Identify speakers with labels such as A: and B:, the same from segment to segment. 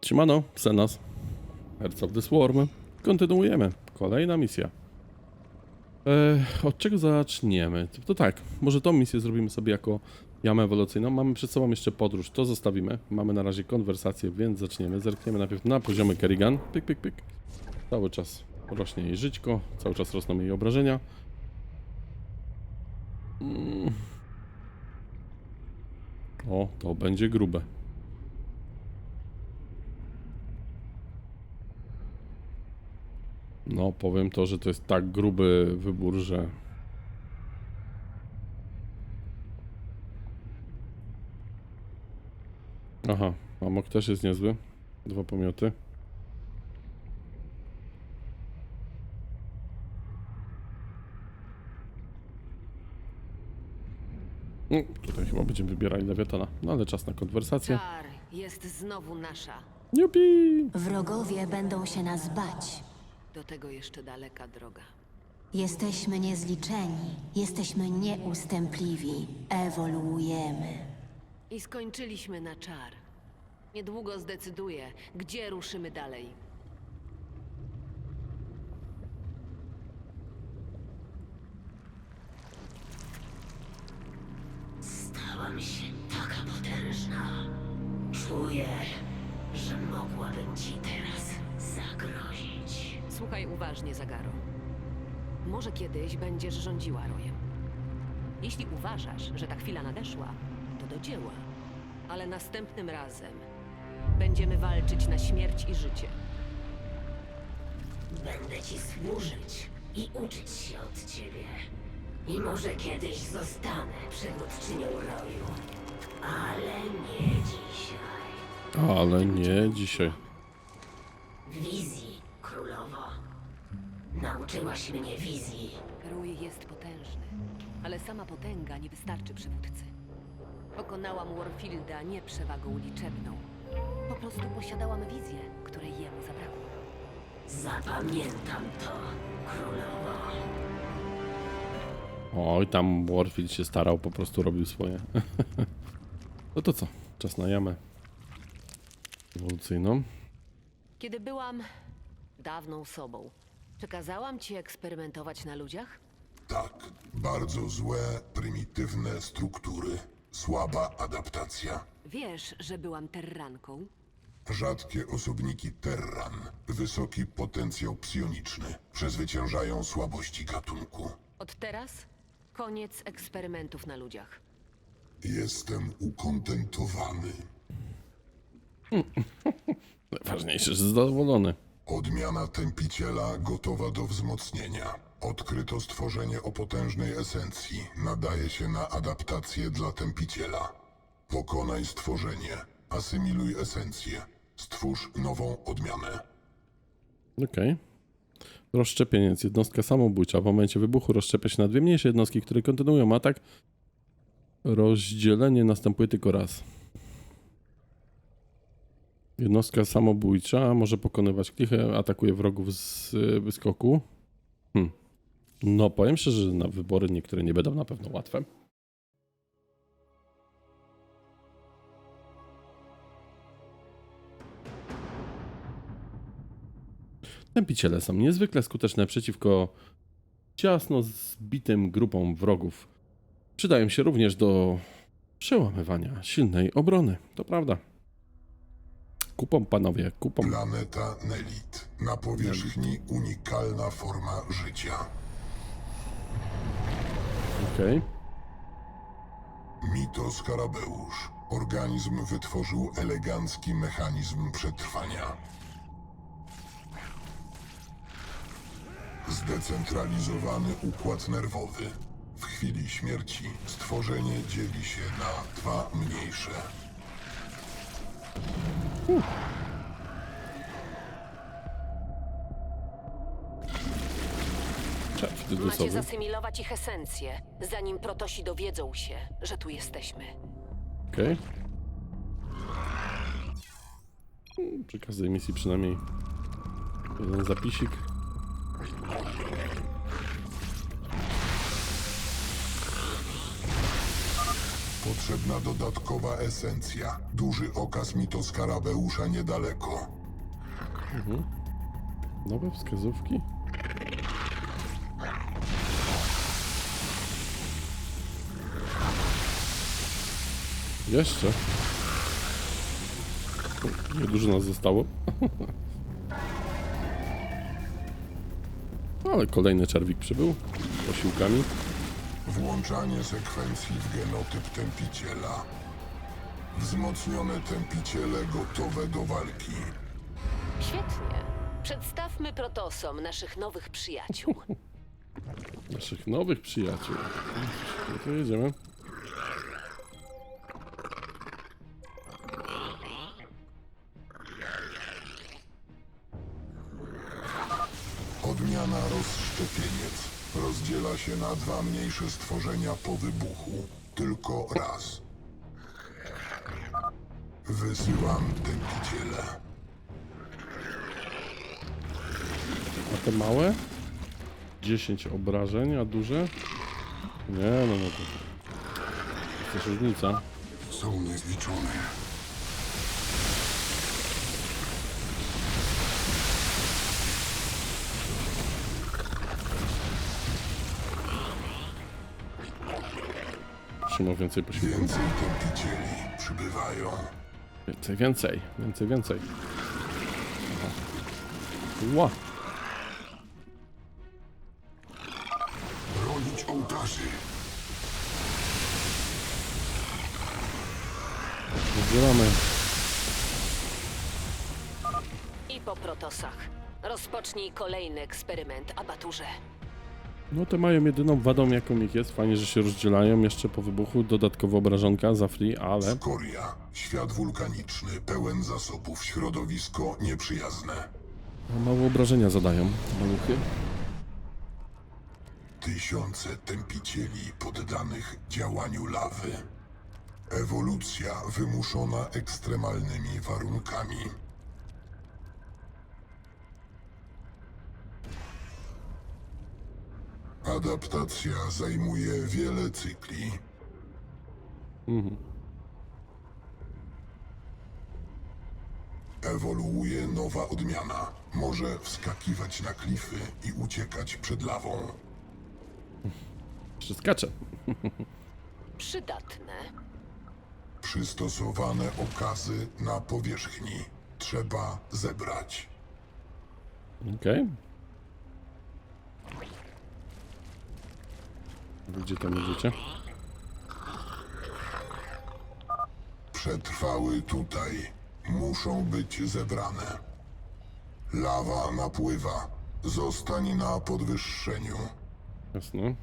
A: Siemano, Xenos, Hearts of the Swarm. Kontynuujemy. Kolejna misja. Od czego zaczniemy? To tak, może tą misję zrobimy sobie jako jamę ewolucyjną. Mamy przed sobą jeszcze podróż, to zostawimy. Mamy na razie konwersację, więc zaczniemy. Zerkniemy najpierw na poziomy Kerrigan. Pyk, pyk, pyk. Cały czas rośnie jej żyćko, cały czas rosną jej obrażenia. O, to będzie grube. No, powiem to, że to jest tak gruby wybór, że... Aha, amok też jest niezły. 2 pomioty. Tutaj chyba będziemy wybierali lewiatana. No ale czas na konwersację.
B: Czar jest znowu nasza.
A: Jupi!
C: Wrogowie będą się nas bać.
B: Do tego jeszcze daleka droga.
C: Jesteśmy niezliczeni, jesteśmy nieustępliwi, ewoluujemy.
B: I skończyliśmy na czar. Niedługo zdecyduję, gdzie ruszymy dalej.
D: Stałam się taka potężna. Czuję, że mogłabym ci teraz zagrozić.
B: Słuchaj uważnie, Zagaro. Może kiedyś będziesz rządziła rojem. Jeśli uważasz, że ta chwila nadeszła, to do dzieła. Ale następnym razem będziemy walczyć na śmierć i życie.
D: Będę ci służyć i uczyć się od ciebie. I może kiedyś zostanę przywódczynią roju. Ale nie dzisiaj.
A: Ale nie dzisiaj.
D: Wizji, królowo. Nauczyłaś mnie wizji.
B: Rój jest potężny, ale sama potęga nie wystarczy przywódcy. Pokonałam Warfielda nie przewagą liczebną. Po prostu posiadałam wizję, której jemu zabrakło.
D: Zapamiętam to, królowo.
A: Oj, tam Warfield się starał, po prostu robił swoje. No to co? Czas na jamę ewolucyjną.
B: Kiedy byłam dawną sobą, przekazałam ci eksperymentować na ludziach?
E: Tak, bardzo złe, prymitywne struktury, słaba adaptacja.
B: Wiesz, że byłam terranką?
E: Rzadkie osobniki Terran, wysoki potencjał psioniczny, przezwyciężają słabości gatunku.
B: Od teraz koniec eksperymentów na ludziach.
E: Jestem ukontentowany.
A: Najważniejsze, że zadowolony.
E: Odmiana tępiciela gotowa do wzmocnienia. Odkryto stworzenie o potężnej esencji. Nadaje się na adaptację dla tępiciela. Pokonaj stworzenie. Asymiluj esencję. Stwórz nową odmianę.
A: Okej. Rozszczepieniec. Jednostka samobójcza. W momencie wybuchu rozszczepia się na 2 mniejsze jednostki, które kontynuują atak. Rozdzielenie następuje tylko raz. Jednostka samobójcza może pokonywać klichę, atakuje wrogów z wyskoku. No, powiem szczerze, że na wybory niektóre nie będą na pewno łatwe. Tępiciele są niezwykle skuteczne przeciwko ciasno zbitym grupom wrogów. Przydają się również do przełamywania silnej obrony. To prawda. Kupą, panowie, kupą.
E: Planeta Nelit. Na powierzchni unikalna forma życia.
A: Okej.
E: Mitoskarabeusz. Organizm wytworzył elegancki mechanizm przetrwania. Zdecentralizowany układ nerwowy. W chwili śmierci stworzenie dzieli się na 2 mniejsze.
A: Wtedy
B: Macie
A: sobie.
B: zasymilować ich esencję, zanim protosi dowiedzą się, że tu jesteśmy.
A: Okej. Przy każdej misji przynajmniej jeden zapisik.
E: Potrzebna dodatkowa esencja. Duży okaz mitoskarabeusa niedaleko.
A: Nowe wskazówki. Jeszcze. Niedużo nas zostało. Ale kolejny czerwik przybył. Posiłkami.
E: Włączanie sekwencji w genotyp tępiciela. Wzmocnione tępiciele gotowe do walki.
B: Świetnie. Przedstawmy protosom naszych nowych przyjaciół.
A: Naszych nowych przyjaciół. No to jedziemy.
E: Odmiana rozszczepieniec. Rozdziela się na dwa mniejsze stworzenia po wybuchu. Tylko raz. Wysyłam tępiciele.
A: A te małe? 10 obrażeń, a duże? Nie, no to... To jest różnica.
E: Są niezliczone.
A: Trzymał więcej posiłków.
E: Więcej tępicieli przybywają.
A: Więcej. Aha. Ła!
E: Bronić ołtarzy.
A: Rozdzielamy.
B: I po protosach. Rozpocznij kolejny eksperyment, abaturze.
A: No te mają jedyną wadą jaką ich jest. Fajnie, że się rozdzielają jeszcze po wybuchu. Dodatkowo obrażonka za free, ale...
E: Skoria. Świat wulkaniczny, pełen zasobów, środowisko nieprzyjazne.
A: Mało obrażenia zadają maluchy.
E: Tysiące tępicieli poddanych działaniu lawy. Ewolucja wymuszona ekstremalnymi warunkami. Adaptacja zajmuje wiele cykli. Ewoluuje nowa odmiana. Może wskakiwać na klify i uciekać przed lawą.
A: Jeszcze skacze.
B: Przydatne.
E: Przystosowane okazy na powierzchni. Trzeba zebrać.
A: Okej. Gdzie tam idziecie?
E: Przetrwały tutaj. Muszą być zebrane. Lawa napływa. Zostań na podwyższeniu.
A: Jasne.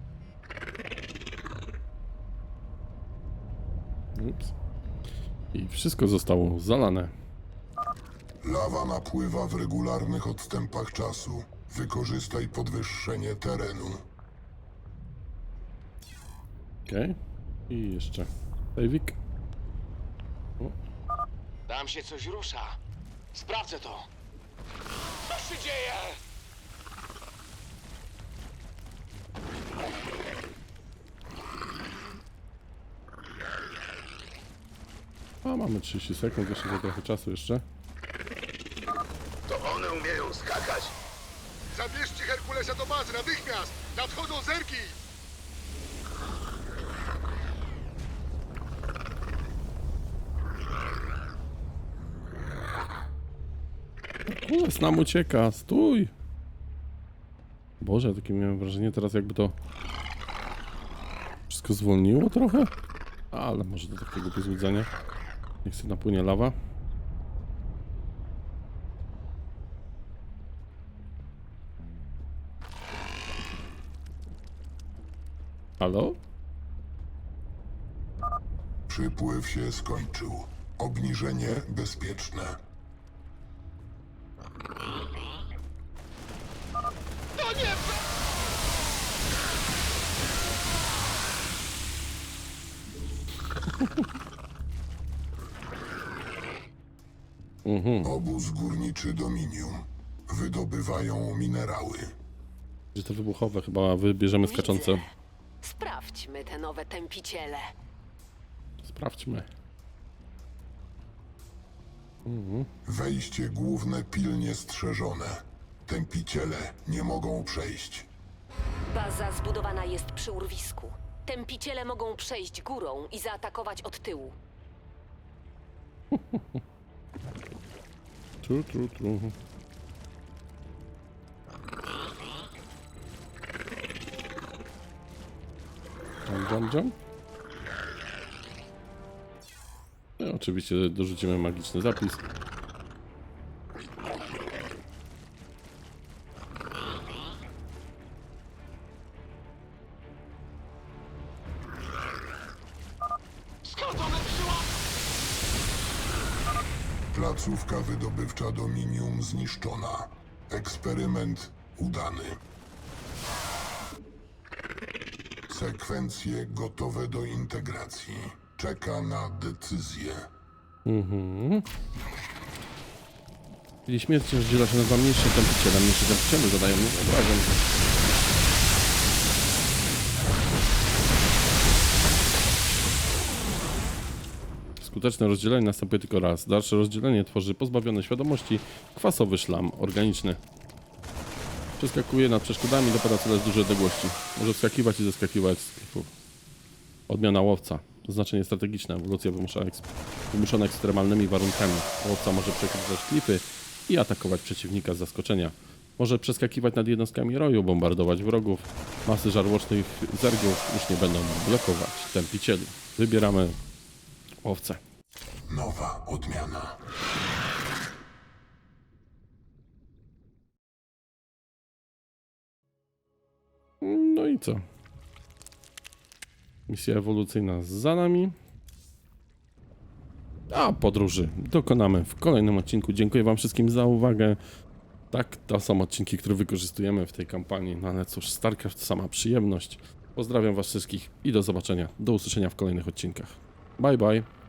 A: Ups. I wszystko zostało zalane.
E: Lawa napływa w regularnych odstępach czasu. Wykorzystaj podwyższenie terenu.
A: Okej. I jeszcze. Sejwik.
F: Tam się coś rusza. Sprawdzę to. Co się dzieje?
A: A mamy 30 sekund, jeszcze za trochę czasu jeszcze.
G: To one umieją skakać. Zabierzcie Herkulesa do bazy natychmiast! Nadchodzą zerki!
A: Kules nam ucieka, stój! Boże, takie miałem wrażenie teraz jakby to... Wszystko zwolniło trochę? Ale może do takiego pozłudzenia. Niech sobie napłynie lawa. Halo?
E: Przypływ się skończył. Obniżenie bezpieczne. Obóz górniczy Dominium. Wydobywają minerały.
A: Że to wybuchowe chyba wybierzemy skaczące.
B: Sprawdźmy te nowe tępiciele.
A: Sprawdźmy.
E: Wejście główne pilnie strzeżone. Tępiciele nie mogą przejść.
B: Baza zbudowana jest przy urwisku. Tępiciele mogą przejść górą i zaatakować od tyłu.
A: Tru. Jump. No, oczywiście dorzucimy magiczny zapis.
F: Skąd one przyła?
E: Placówka wydobywcza Dominium zniszczona. Eksperyment udany. Sekwencje gotowe do integracji. Czeka na decyzję.
A: Czyli śmierć rozdziela się na dwa mniejsze tępiciele. Mniejsze tępiciele zadają mnie obrażeń. Skuteczne rozdzielenie następuje tylko raz. Dalsze rozdzielenie tworzy pozbawiony świadomości kwasowy szlam organiczny. Przeskakuje nad przeszkodami, dopada cele z dużej odległości. Może wskakiwać i zeskakiwać z klifów. Odmiana łowca. Znaczenie strategiczne. Ewolucja wymuszona ekstremalnymi warunkami. Łowca może przekrywać klify i atakować przeciwnika z zaskoczenia. Może przeskakiwać nad jednostkami roju, bombardować wrogów. Masy żarłocznych zergów już nie będą blokować tępicieli. Wybieramy łowcę.
E: Nowa odmiana.
A: No i co? Misja ewolucyjna za nami. A podróży dokonamy w kolejnym odcinku. Dziękuję wam wszystkim za uwagę. Tak, to są odcinki, które wykorzystujemy w tej kampanii. No ale cóż, StarCraft to sama przyjemność. Pozdrawiam was wszystkich i do zobaczenia. Do usłyszenia w kolejnych odcinkach. Bye bye.